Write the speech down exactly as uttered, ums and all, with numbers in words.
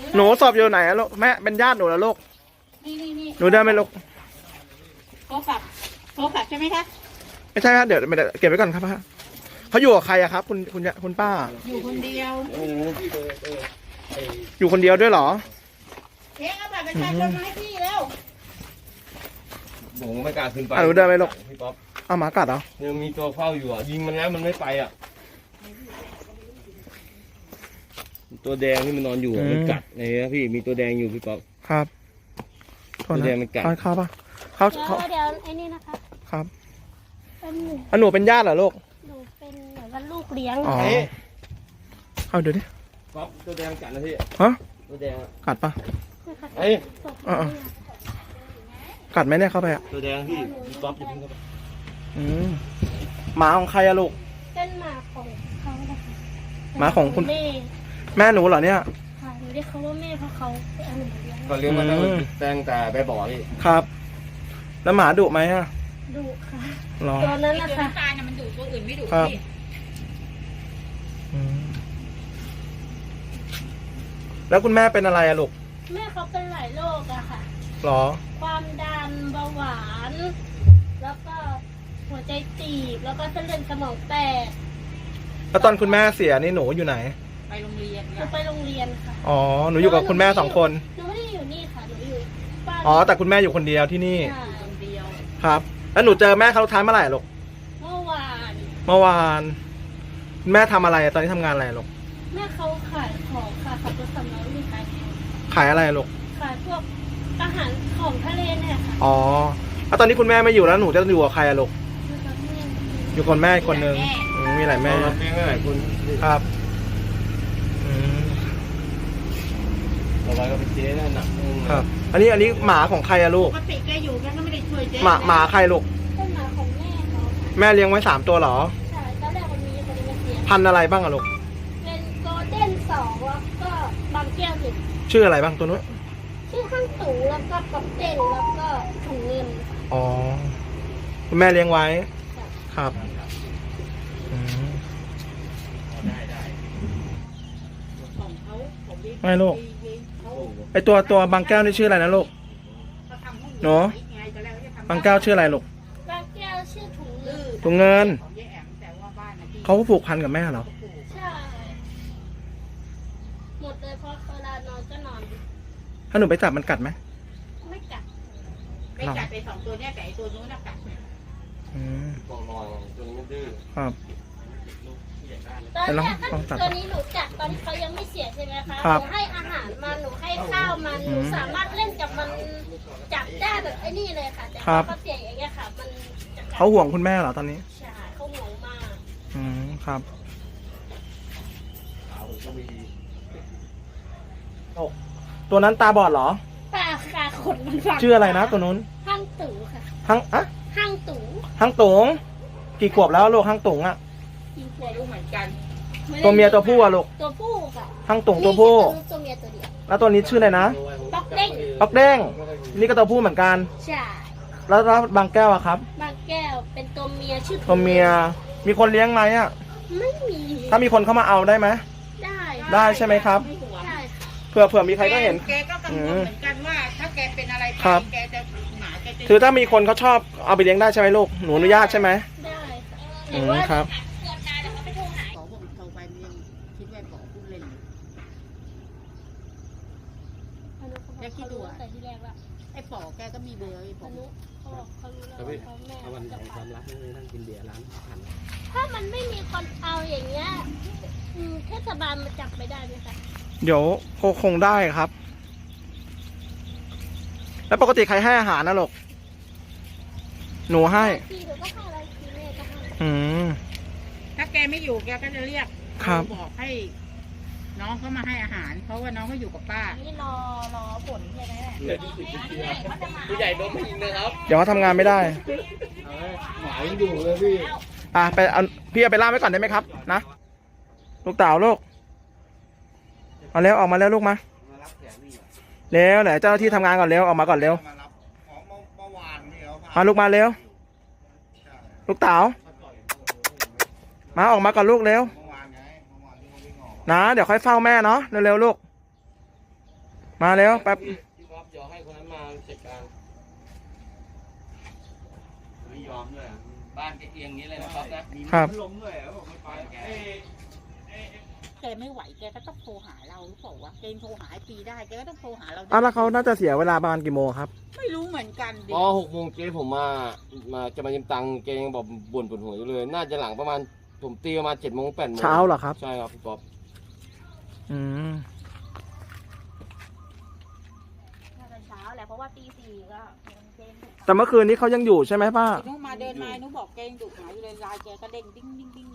หนูสอบอยู่ไหนอะลูกแม่เป็นญาติหนูแล้วลูกนี่นี่นี่หนูได้ไหมลูกโทรศัพท์โทรศัพท์ใช่ไหมคะไม่ใช่ครับเดี๋ยวไม่ได้เก็บไว้ก่อนครับฮะเขาอยู่กับใครอะครับ คุณคุณคุณป้าอยู่คนเดียวอยู่คนเดียวด้วยเหรอเองเอาบัตรประชาชนมาให้พี่แล้วผมไม่กล้าขึ้นไปอ่ะหนูเดินไปลูกพี่ป๊อปเอาหมากัดเหรอยังมีตัวเฝ้าอยู่อ่ะยิงมันแล้วมันไม่ไปอ่ะตัวแดงที่มันนอนอยู่อะมันกัดไงนะพี่มีตัวแดงอยู่พี่ป๊อปครับโทษตัวนะแดงมันกัดเอาเข้าปะเขาเดี๋ยวเขาเดี๋ยวไอ้นี่นะคะครับเป็นหนูอ่ะหนูเป็นญาติเหรอลูกหนูเป็นเหมือนว่าลูกเลี้ยงอ๋อเฮ้ยเอาเดี๋ยวดิป๊อปตัวแดงกัดนะพี่ฮะตัวแดงอะกัดปะนะคะเฮ้ยอ่า กัดไหมเนี่ยเข้าไปอะตัวแดงพี่พี่ป๊อปอย่าเพิ่งเข้าไปอืมหมาของใครอะลูกเป็นหมาของเขานะคะหมาของคุณแม่แม่หนูเหรอเนี่ยค่ะหนูเรียกเขาว่าแม่เพราะเขาไปเอาหนูมาเลี้ยงก็เลี้ยงมาตั้งอืมแต่ตั้งแต่ไปบ่อพี่ครับ แล้วหมาดุไหมอะดุค่ะหรอตัวนั้นนะคะตายเนี่ยมันดุตัวอื่นไม่ดุครับพี่อืมแล้วคุณแม่เป็นอะไรอะลูกแม่เขาเป็นหลายโรคอะค่ะหรอความดันเบาหวาน แล้วก็หัวใจตีบแล้วก็เส้นเลือดสมองแตกแล้วตอนคุณแม่เสียนี่หนูอยู่ไหนไปโรงเรียนหนูไปโรงเรียนค่ะอ๋อ หนูอยู่กับคุณแม่สองคนหนูไม่ได้อยู่นี่ค่ะหนูอยู่บ้านอ๋อ แต่คุณแม่อยู่คนเดียวที่นี่ค่ะคนเดียวครับ แล้วหนูเจอแม่ครั้งสุดท้ายเมื่อไหร่ลูกเมื่อวานเมื่อวาน คุณแม่ทำอะไรอะตอนนี้ทำงานอะไรลูกแม่เขาขายของค่ะขับรถสำล้อมีขายของขายอะไรลูกขายพวกอาหารของทะเลเนี่ยค่ะอ๋อ แล้วตอนนี้คุณแม่ไม่อยู่แล้วหนูจะอยู่กับใครอะลูกคือกับแม่อยู่กับแม่อีกคนนึงอืมมีหลายแม่แม่เราเลี้ยงหลายคนครับอืมต่อไปก็เป็นเจ๊นะหนักนึงครับ อันนี้อันนี้หมาของใครอะลูปกกติแกอยู่แกก็ไม่ได้ช่วยเจ๊หมาหมาใครลูกเป็นหมาของแม่เขาค่ะแม่เลี้ยงไว้สามตัวเหรอใช่ตอนแรกมันมีคนนี้มาเสียพันธุ์อะไรบ้างอะลูกเป็นโกลเด้นสองแล้วก็บางแก้วหนึ่งชื่ออะไรบ้างตัวนู้นชื่อข้างสูงแล้วก็กอบเด้นแล้วก็ถุงเงินอ๋อ คุณแม่เลี้ยงไว้ ครับอืมของเขาผมเลี้ยงไม่ลูกเขาไอตัวตัวบางแก้วนี่ชื่ออะไรนะลูกเขาทำห้องหนูไงก็แล้วจะทำบางแก้วชื่ออะไรลูกบางแก้วชื่อถุงเงินถุงเงินของยายแอมแต่ว่าบ้านน่ะที่เขาผูกพันกับแม่เหรอใช่หมดเลยเพราะเวลานอนก็นอนถ้าหนูไปจับมันกัดไหมไม่กัดไม่จัดไปสองตัวเนี้ยแต่ไอ้ตัวนู้นน่ะกัดอืมมองมองจนมันดื้อครับตอนแต่ลองแรกลองตัดตัวนี้หนูจัดตอนที่เขายังไม่เสียใช่ไหมคะครัหบนูให้อาหารมันหนูให้ข้าวมันอืหนูมสามารถเล่นกับมันจับได้แบบไอ้นี่เลยค่ะ แต่ครัพอบ เขาเสียอย่างเงี้ยค่ะ มันจะกัดเขาห่วงคุณแม่เหรอตอนนี้ใช่เขาห่วงมากอืม ครับ ตัวนั้นตาบอดเหรอตาขาขนมันฝังชื่ออะไรนะตัวนู้นห้างตู่ค่ะฮังอะห้างตู่ฮังตุงกี่ขวบแล้วลูกฮังตุงอะกินขตัววดรู้เหมือนกันตัวเมียตัวผู้อะลูกตัวผู้ค่ะฮังตุงตัวผู้นี่ตัวเมียตัวเดียวแล้วตัวนี้ชื่ออะไรนะป๊อกเด้งปักเด้ง นี่ก็ตัวผู้เหมือนกันใช่แล้วแล้วบางแก้วอะครับบางแก้วเป็นตัวเมียชื่อตัวเมีย มีคนเลี้ยงไหมอะไม่มีถ้ามีคนเข้ามาเอาได้ไหมได้ได้ใช่ไหมครับไม่ห่วงได้ค่ะเผื่อเผื่อมีใครก็เห็นแกก็กังวลเหมือนกันว่า ถ้าแกเป็นอะไรไปครับแกจะหมาแกจะคือถ้ามีคนเขาชอบเอาไปเลี้ยงได้ใช่ไหมลูก หนูอนุญาตใช่ไหมได้ค่ะอืมครับเกิดตายแล้วเขาไปโทรหาขอผมโทรไปยังคิดว่าบอกพูดเล่นอยู่อนุเขาบอกเขารู้ตั้งแต่ที่แรกแล้วไอ้ป๋อแกก็มีเบอร์ไอ้ผอมนุเขาบอกเขารู้แล้วว่าเขาแม่ถ้าวันไหนจะความไปรักไม่นั่งกินเบียร์ร้านขันถ้ามันไม่มีคนเอาอย่างเงี้ยอืมเทศบาลมาจับไม่ได้ไหมคะเดี๋ยวคงคงได้ครับ แล้วปกติใครให้อาหารนะลูก หนูให้ทีหนูก็ให้อะไรทีแม่ก็ให้อืมถ้าแกไม่อยู่แกก็จะเรียกครับบอกให้ น้องเขามาให้อาหาร เพราะว่าน้องเขาอยู่กับป้าอันนี้รอรอผลใช่ไหมแม่ผู้ใหญ่โดนไม่ยิงนะครับเดี๋ยวเขาทำงานไม่ได้หมายังอยู่เลยพี่อ่ะไปเอาพี่เอาไปล่ามไว้ก่อนได้ไหมครับ นะ ลูกเต่าลูก เอาเร็วออกมาแล้วลูกมา เร็วไหนเจ้าหน้าที่ทำงานก่อนเร็วออกมาก่อนเร็ว มาลูกมาเร็ว ลูกเต๋ามาออกมาก่อนลูกเร็ว นะเดี๋ยวค่อยเฝ้าแม่เนาะเร็วๆลูกมาแล้วแป๊บพี่ก๊อฟเดี๋ยวให้คนนั้นมาจัดการไม่ยอมด้วยบ้านแกเอียงนี้เลยนะครับนะครับ มีพัดลมด้วยบอกไม่ไปแกแกไม่ไหวแกก็ต้องโทรหาเราหรือเปล่าวะแกยังโทรหาไอ้ปีได้แกก็ต้องโทรหาเราอ้าวแล้วเขาน่าจะเสียเวลาประมาณกี่โมงครับไม่รู้เหมือนกันดิพอหกโมงเจ๊ผมมา มาจะมายืมตังค์แกยังบอกบ่นปวดหัวอยู่เลย น่าจะหลังประมาณผมตีประมาณเจ็ดโมงแปดโมงเช้าเหรอครับใช่ครับพี่ป๊อปอืมน่าจะเช้าแหละเพราะว่าตีสี่ก็ยังเจนแต่เมื่อคืนนี้เขายังอยู่ใช่ไหมป้าหนูมาเดินมาหนูบอกแกยังดุหมาอยู่เลยไลน์แกก็เด้งดิ้งดิ้งดิ้ง